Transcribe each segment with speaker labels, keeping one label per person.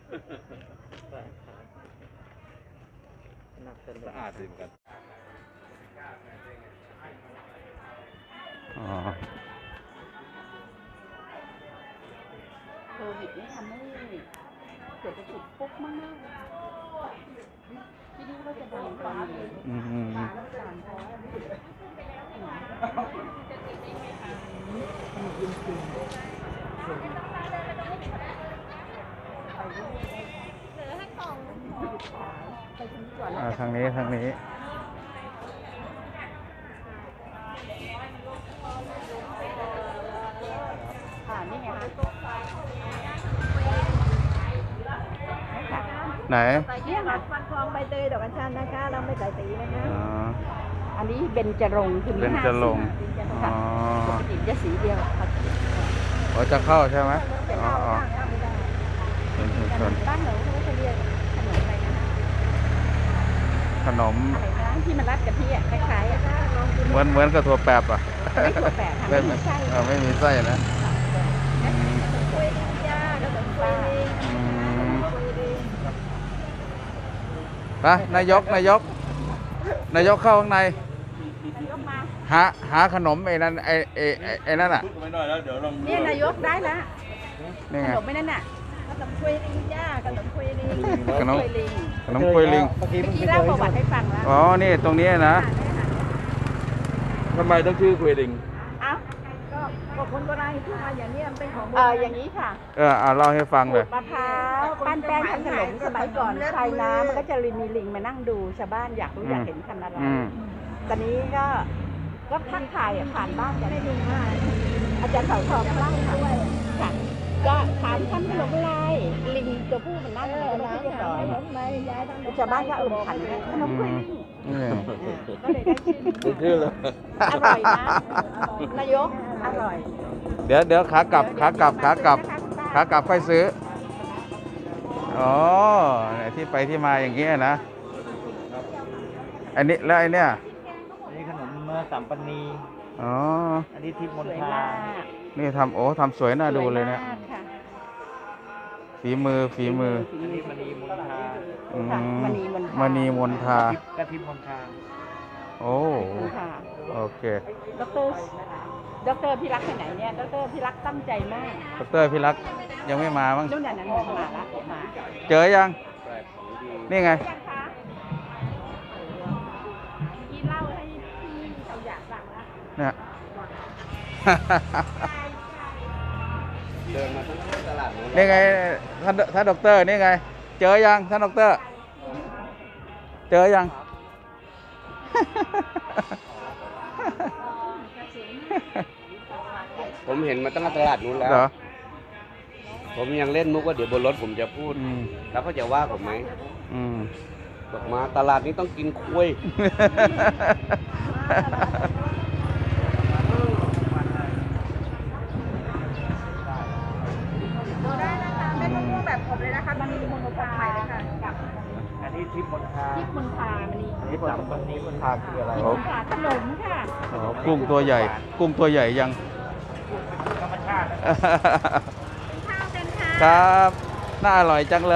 Speaker 1: สะอาดดีเหมือนกัน
Speaker 2: โควิดนี่ทำให้เศรษฐกิจปุ๊บมากที่นี่ก็จะดังตอนนี้
Speaker 3: ทางนี้ทางนี้
Speaker 2: นี่ไงคะ
Speaker 3: ไหน
Speaker 2: เนี่ยค่ะฟันทองใบเตยดอกอัญชันนะคะเราไม่ใส่สีนะคะ อันนี้เบญจรงค์คือมี
Speaker 3: เบญจรงค์
Speaker 2: ค่ะปกติจะสีเดียวค่ะ
Speaker 3: อ๋อจะเข้าใช่ไหมอ๋อเป็นชุมชน
Speaker 2: บ้านเราเขาจะเรียกขนมอะไรนะคะ
Speaker 3: ขนม
Speaker 2: อะไรนะที่มันรัดกะทิอ่ะคล้ายๆอ่ะ
Speaker 3: เหมือนกับถั่วแปบอ่ะ
Speaker 2: ไม่ถั่วแปบค่ะไม่มีไส้
Speaker 3: ไม่มีไส้นะ
Speaker 2: กล้วยดิบย่าแล้วก็กล้วยดิบ
Speaker 3: ไปนายกเข้าข้างในหาขนมไอ้นั่นไอ้นั่นอ่ะ
Speaker 2: เนี่ยนายกได้ละ
Speaker 3: นี่
Speaker 2: ข
Speaker 3: ไง
Speaker 2: นมไม่นั่นน่ะขนมกล้วยดิบย่าขนมกล้วยดิบ
Speaker 3: ขนม
Speaker 2: กล้วยลิง
Speaker 3: ขนมกล้วยลิง
Speaker 2: เมื่อกี้เล่าประวัติให้ฟังแล้ว
Speaker 3: อ๋อนี่ตรงนี้นะ
Speaker 1: ทำไมต้องชื่อคุยลิง
Speaker 2: เอ้า
Speaker 4: ก็คนโบราณที่มาอย่างนี้มันเป็นของโบ
Speaker 2: เอ
Speaker 4: รา
Speaker 2: อ
Speaker 4: ณ
Speaker 2: อย่างนี้ค่ะ
Speaker 3: เล่าให้ฟังเลย
Speaker 2: มะพร้าวปั้นแป้งทำขนมสมัยก่อนชายน้ำมันก็จะมีลิงมานั่งดูชาวบ้านอยากรู้อยากเห็นทำอะไรตอนนี้ก็ทักทายผ่านบ้านกันได้ดูมากอาจารย์เสาทองเล่าด้วยค่ะก็ถามทำขนมอะไรลิงตัวผู้มันนั่งอยู่แล้วเรียบร้อยชาวบ้านก็ขันขนมกล้วยลิงก็เลยได้ชื่อ
Speaker 1: เลย
Speaker 2: อร่อยนะนายกอร่อย
Speaker 3: เดี๋ยวขากลับค่อยซื้ออ๋อที่ไปที่มาอย่างเงี้ยนะอันนี้แล้วไอ้เนี่ย
Speaker 1: อันนี้ขนมเมื่อสัมปนี
Speaker 3: อ๋อ
Speaker 1: อันนี้ทิพย์ม
Speaker 2: ส
Speaker 1: น
Speaker 2: วย
Speaker 1: ทาม
Speaker 2: าก
Speaker 3: นี่ทำสวยน่าดูเลยเนี่ย
Speaker 2: สวมากค่ะ
Speaker 3: ฝีมือ
Speaker 1: อันนี้มณีมนทา
Speaker 2: ค่ะมณีมนทาม
Speaker 3: ณีมนทา
Speaker 1: กระทิพย์มนทา
Speaker 3: โอ้
Speaker 2: ค่ะ
Speaker 3: โอเค
Speaker 2: ดรพี่รักไปไหนเนี่ยดรพี่รักตั้งใจมาก
Speaker 3: ดรพี่รักยังไม่มามั้ง
Speaker 2: นู่นน่ะนั้นมาละมา
Speaker 3: เจอยังนี่ไง
Speaker 2: ยังคะกินเหล้าให้พี่เขาอยากสั่งละ
Speaker 3: เนี่ย
Speaker 1: เดินมาทั้งตลาด
Speaker 3: นี่ไงท่านด็อกเตอร์นี่ไง เจอยังท่านด็อกเตอร์ เจอยัง
Speaker 1: ผมเห็นมาตั้งแต่ตลาดนู้นแล้ว
Speaker 3: เหรอ
Speaker 1: ผมยังเล่นมุกว่าเดี๋ยวบนรถผมจะพูด แล้วก็จะว่าผมไหมบอกมาตลาดนี้ต้องกินคุย
Speaker 4: ดูได้นะคะเม็ดมะม่วงแบบผมเลยนะคะมันมีมะม่วงใหม่เลยค่ะ
Speaker 1: อันนี้ทิพย์มนทา
Speaker 2: ที่มนทามันนี่
Speaker 1: อันนี้สัมปนีมนทาคืออะไร
Speaker 2: ที่มนทาขนมค่ะ
Speaker 3: กุ้งตัวใหญ่ ยัง
Speaker 1: ธรรมชาติ
Speaker 2: ข้าวกันค่ะ
Speaker 3: ครับ น่าอร่อยจังเลย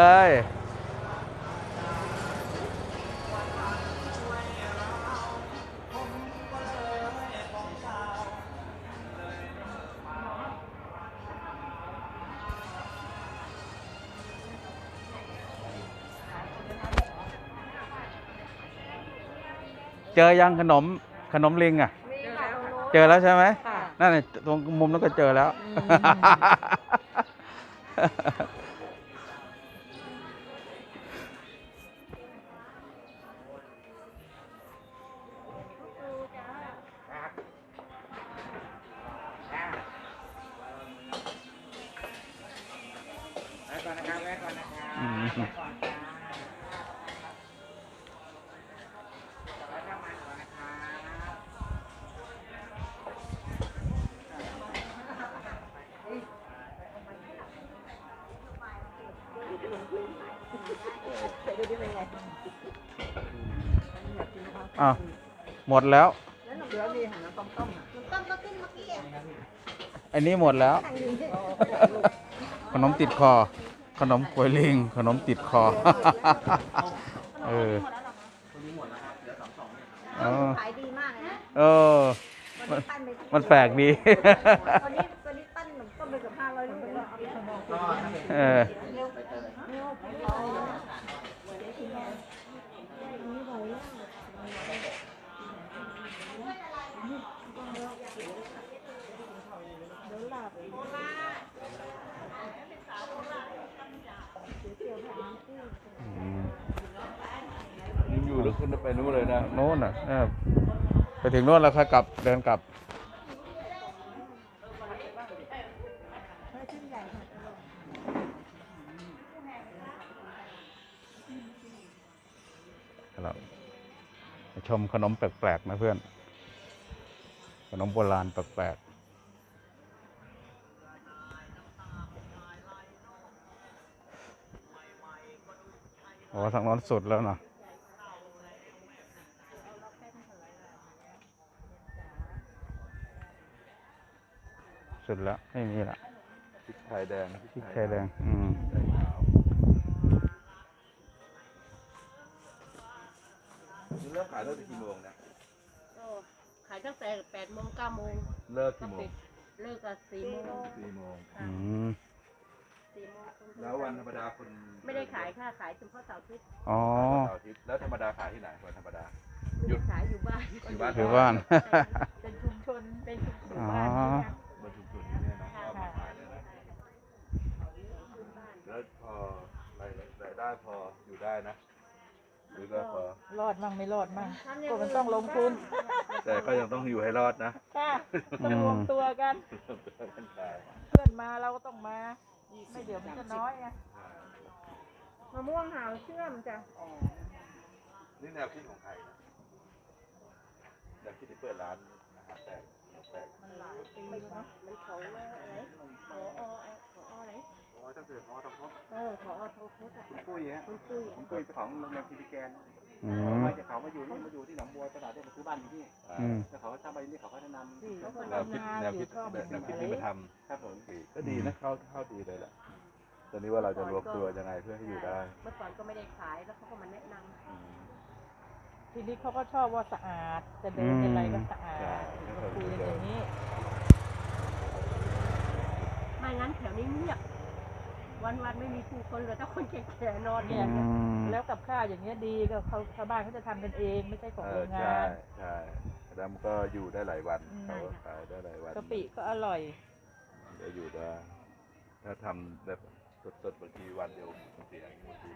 Speaker 3: เจอยังขนมลิงอ่ะ เจอแล้วใช่ไหม
Speaker 2: ค่ะ
Speaker 3: นั่นน่ะตรงมุมนั้นก็เจอแล้ว อ้าวหมดแล้วอันนี้หมดแล้ว ขนมติดคอ ขนมกล้วยลิง ขนมติดคอ เออ
Speaker 4: ขายดีมากเลยนะ
Speaker 3: เออ มันแปลกดี
Speaker 4: ตอนนี้ปั้นขนมต้มไปเกือบ500 ลูกแล้ว
Speaker 3: เออ
Speaker 1: ยังอยู่หรือขึ้นไปนู้นเลยนะ
Speaker 3: โน่นน่ะไปถึงโน่นแล้วค่อยกลับ เดินกลับ ครับไปชมขนมแปลกๆนะเพื่อน ขนมโบราณแปลกๆโอ้ทางโน้นสุดแล้วเนาะสุดแล้ว ไม่มีละ
Speaker 1: พริกไทยแดง
Speaker 3: พริกไทยแดง
Speaker 1: เลิกขายเลิกกี่โมงนะ
Speaker 5: ขายตั้งแต่8 โมง 9 โมง
Speaker 1: เลิกกี่โมง
Speaker 5: เลิกกัน4 โมง
Speaker 1: 4 โมง
Speaker 3: อืม
Speaker 5: 4 โมง
Speaker 1: แล้ววันธรรมดาคน
Speaker 5: ไม่ได้ขายค่ะ ขายเฉพาะเสาร์อาทิตย์
Speaker 3: อ๋อ
Speaker 1: เสาร์อาทิตย์แล้วธรรมดาขายที่ไหนวันธรรมดา
Speaker 5: ไม่ได้ขายอยู่บ้าน
Speaker 1: อยู่บ้าน
Speaker 3: อยู่บ้าน
Speaker 5: เป็นชุมชน เป็นชุมชน
Speaker 3: อ๋อ
Speaker 5: บ้านนี่ค่ะ
Speaker 1: บนชุมชนนี้เนี่ยนะก็เอามาขายเลยนะแล้วพอรายได้พออยู่ได้นะ หรือก็พอ
Speaker 2: รอดมั่งไม่รอดมั่งก็มันต้องลงทุน
Speaker 1: แต่ก็ยังต้องอยู่ให้รอดนะ
Speaker 2: ค่ะต้องรวมตัวกัน
Speaker 1: ขาย
Speaker 2: เพื่อนมาเราก็ต้องมา ไม่เดี๋ยวมันจะน้อยไง
Speaker 4: มะม่วงหาวเชื่อมจ้ะ
Speaker 1: นี่แนวคิดของใครนะแนวคิดที่เปิดร้านอาหารแปลกแปลก
Speaker 5: มันของอะไรขออะไร
Speaker 1: โอ้ยตั้งแต่พอต้องพบ
Speaker 5: ขอทองพุทธอ่ะ
Speaker 1: ปุ้ยฮะ
Speaker 5: คุณปุ้ย
Speaker 1: ผมปุ้ยของโรงแรมคิริแกน
Speaker 3: อืม
Speaker 6: มาจากเขามาอยู่ที่หนองบัวตลาดเนี่ยมาซื้อบ้านอยู่ที่นี่
Speaker 3: อืม
Speaker 6: แล้วเขาทำไปนี่เขาก็แนะนำ
Speaker 2: เขาก็
Speaker 1: แนวคิด
Speaker 2: ทำนา
Speaker 1: แนว
Speaker 2: อ
Speaker 1: คิ
Speaker 2: ยู่
Speaker 1: ด
Speaker 2: ชอบ
Speaker 1: แบบแนวคิดที่มาท
Speaker 6: ครับผม
Speaker 1: ำก็ดีนะเข้าดีเลยแหละตอนนี้ว่าเราจะรวมตัวยังไงเพื่อให้อยู่ได้
Speaker 5: เมื่อก่อนก็ไม่ได้ขายแล้วเขาก็มาแนะน
Speaker 2: ทีนี้เขาก็ชอบว่าสะอาด จะเดินอะไรก็สะอาดก็คุยกันอย่างนี้
Speaker 5: ำไม่งั้นแถวนี้เงียบ วันไม่มีผู้คนเลยถ้าคนแก่ๆนอนเนี่ย
Speaker 3: อืม
Speaker 2: แล้วกับข้าวอย่างเงี้ยดีก็เขาชาวบ้านเขาจะทำกันเองไม่ใช่ของโรงงาน
Speaker 1: ใช่แล้วมันก็อยู่ได้หลายวัน
Speaker 2: อืม
Speaker 1: เขาก็ขายได้หลายวัน
Speaker 2: กะปิก็อร่อย
Speaker 1: จะอยู่ได้ถ้าทำแบบสดๆบางทีวันเดียวมันเสียบางที